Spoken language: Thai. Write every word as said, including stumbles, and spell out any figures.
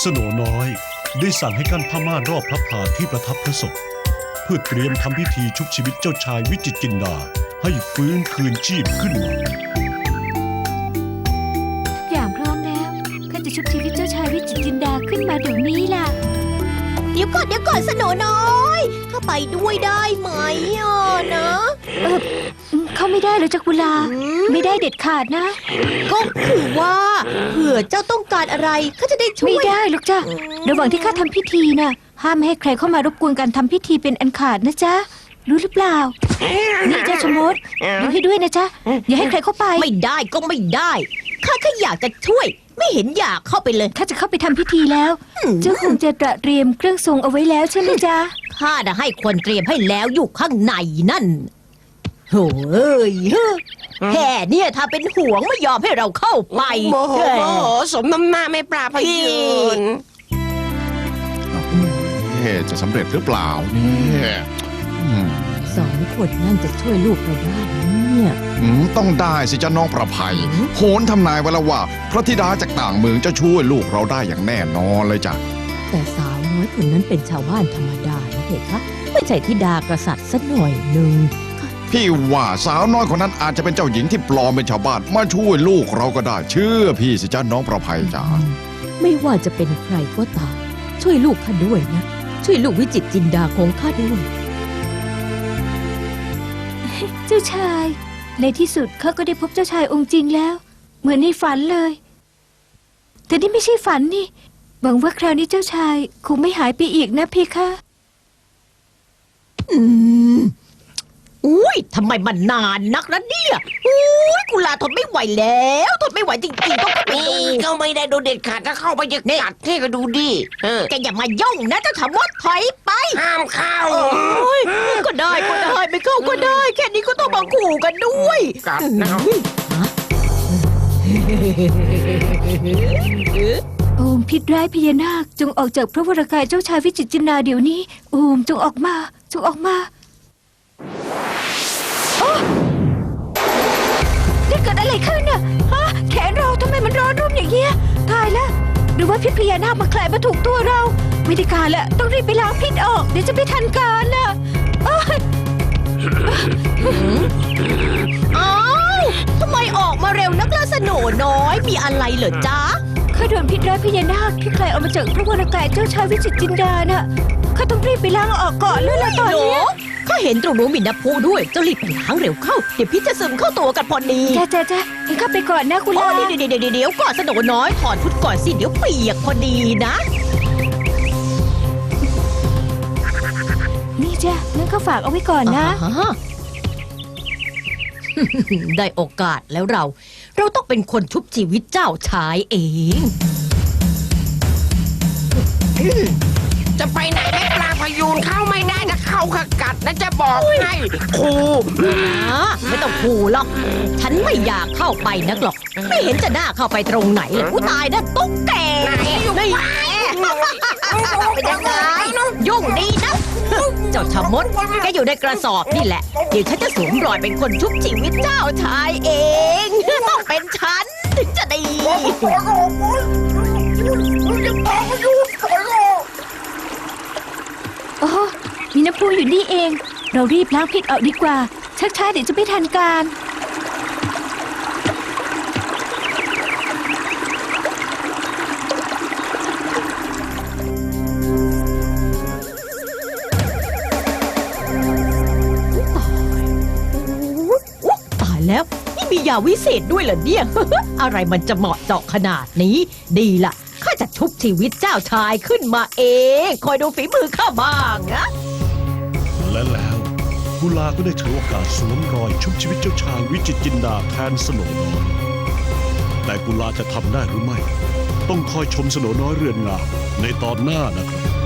โหนน้อยได้สั่งให้กั้นผ้าม่านรอบพระพลาที่ประทับพระศพเพื่อเตรียมทำพิธีชุบชีวิตเจ้าชายวิจิตรจินดาให้ฟื้นคืนชีพขึ้นมาอย่างพร้อมแล้วข้าจะชุบชีวิตเจ้าชายวิจิตรจินดาขึ้นมาเดี๋ยวนี้ล่ะเดี๋ยวก่อนเดี๋ยวก่อนสโหนน้อยเข้าไปด้วยได้ไหมอ่ะนะเออเขาไม่ได้เลยจักกุลาไม่ได้เด็ดขาดนะก็คือว่าเผื่อเจ้าต้องการอะไรข้าจะได้ช่วยไม่ได้หรอกจ้ะระหว่างที่ข้าทำพิธีน่ะห้ามให้ใครเข้ามารบกวนการทำพิธีเป็นอันขาดนะจ๊ะรู้หรือเปล่านี่เจ้าชมดดูให้ด้วยนะจ๊ะอย่าให้ใครเข้าไปไม่ได้ก็ไม่ได้ข้าแค่อยากจะช่วยไม่เห็นอยากเข้าไปเลยข้าจะเข้าไปทำพิธีแล้วเจ้าคงจะเตรียมเครื่องทรงเอาไว้แล้วใช่ไหมจ๊ะข้าจะให้คนเตรียมให้แล้วอยู่ข้างในนั่นโอ้ยแห่เนี่ยถ้าเป็นห่วงไม่ยอมให้เราเข้าไปโมโหโมโหสมน้ำหน้าไม่ปราพยูนเฮ้จะสำเร็จหรือเปล่าเนี่ยสองคนนั่นจะช่วยลูกเราได้เนี่ยต้องได้สิจ้าน้องประภัยโหนทำนายไว้แล้วว่าพระธิดาจากต่างเมืองจะช่วยลูกเราได้อย่างแน่นอนเลยจ้ะแต่สาวน้อยคนนั้นเป็นชาวบ้านธรรมดานะเพคะไม่ใช่ธิดากษัตริย์สักหน่อยหนึ่งพี่ว่าสาวน้อยคนนั้นอาจจะเป็นเจ้าหญิงที่ปลอมเป็นชาวบ้านมาช่วยลูกเราก็ได้เชื่อพี่สิจ้าน้องประภัยจ้าไม่ว่าจะเป็นใครก็ตามช่วยลูกข้าด้วยนะช่วยลูกวิจิตรจินดาของข้าด้วยเจ้าชายในที่สุดเขาก็ได้พบเจ้าชายองค์จริงแล้วเหมือนในฝันเลยแต่นี่ไม่ใช่ฝันนี่หวังว่าคราวนี้เจ้าชายคงไม่หายไปอีกนะเพคะอืมอุ้ยทำไมมันนานนักนะเนี่ยอุ้ยกุลาทนไม่ไหวแล้วทนไม่ไหวจริงๆต้องไปดูก็ไม่ได้ดูเด็ดขาดถ้าเข้าไปจะกัดเท่ก็ดูดิแกอย่ามาย่องนะเจ้าถามว่าถอยไปห้ามเข้าก็ได้ก็ได้ไม่เข้าก็ได้แค่นี้ก็ต้องมาขู่กันด้วยกัดนะโอมพิษร้ายพญานาคจงออกจากพระวรากายเจ้าชายวิจิตรจินดาเดี๋ยวนี้โอมจงออกมาจงออกมานี่เกิดอะไรขึ้นน่ะฮะแขนเราทำไมมันร้อนรุ่มอย่างเงี้ยตายแล้วหรือว่าพิษพญานาคมาแคลมาถูกตัวเราไม่ได้การละต้องรีบไปล้างพิษออกเดี๋ยวจะไม่ทันการน่ะอ้าวทำไมออกมาเร็วนักล่ะสโหนน้อยมีอะไรเหรอจ๊ะข้าโดนพิษร้ายพญานาคที่ใครเอามาจากพระวรากายเจ้าชายวิจิตรจินดาน่ะข้าต้องรีบไปล้างออกก่อนเลยละตอนนี้ข้าเห็นตรงนู้นมีน้ำพุด้วยเจ้ารีบไปล้างเร็วเข้าเดี๋ยวพิษจะซึมเข้าตัวกันพอดีจ้าจ้าจ้าให้ข้าไปก่อนนะคุณล่ะเดี๋ยวเดี๋ยวเดี๋ยวก่อนสโหนน้อยถอดชุดก่อนสิเดี๋ยวเปียกพอดีนะนี่จ้ะงั้นก็ฝากเอาไว้ก่อนนะได้โอกาสแล้วเราเราต้องเป็นคนชุบชีวิตเจ้าชายเองจะไปไหนแม่ปลาพยูนเข้าไม่ได้นะเข้าขกัดนะจะบอกให้ขู่ไม่ต้องขู่หรอกฉันไม่อยากเข้าไปนักหรอกไม่เห็นจะน่าเข้าไปตรงไหนเลยผู้ตายนะตุ๊กแกไม่เป็นยังไงยุ่งดีนะเจ้าชะมดแกอยู่ในกระสอบนี่แหละเดี๋ยวฉันจะสวมรอยเป็นคนชุบชีวิตเจ้าชายเองต้องเป็นฉันถึงจะดีโอ้มีน้ำพุอยู่นี่เองเรารีบล้างพิษออกดีกว่าชักช้าเดี๋ยวจะไม่ทันการตายแล้วนี่มียาวิเศษด้วยเหรอเนี่ยอะไรมันจะเหมาะเจาะขนาดนี้ดีล่ะข้าจะชุบชีวิตเจ้าชายขึ้นมาเองคอยดูฝีมือข้าบ้างนะและแล้วกุลาก็ได้ถือโอกาสสวมรอยชุบชีวิตเจ้าชายวิจิตรจินดาแทนสโหนน้อยแต่กุลาจะทำได้หรือไม่ต้องคอยชมสโหนน้อยเรือนงามในตอนหน้านะครับ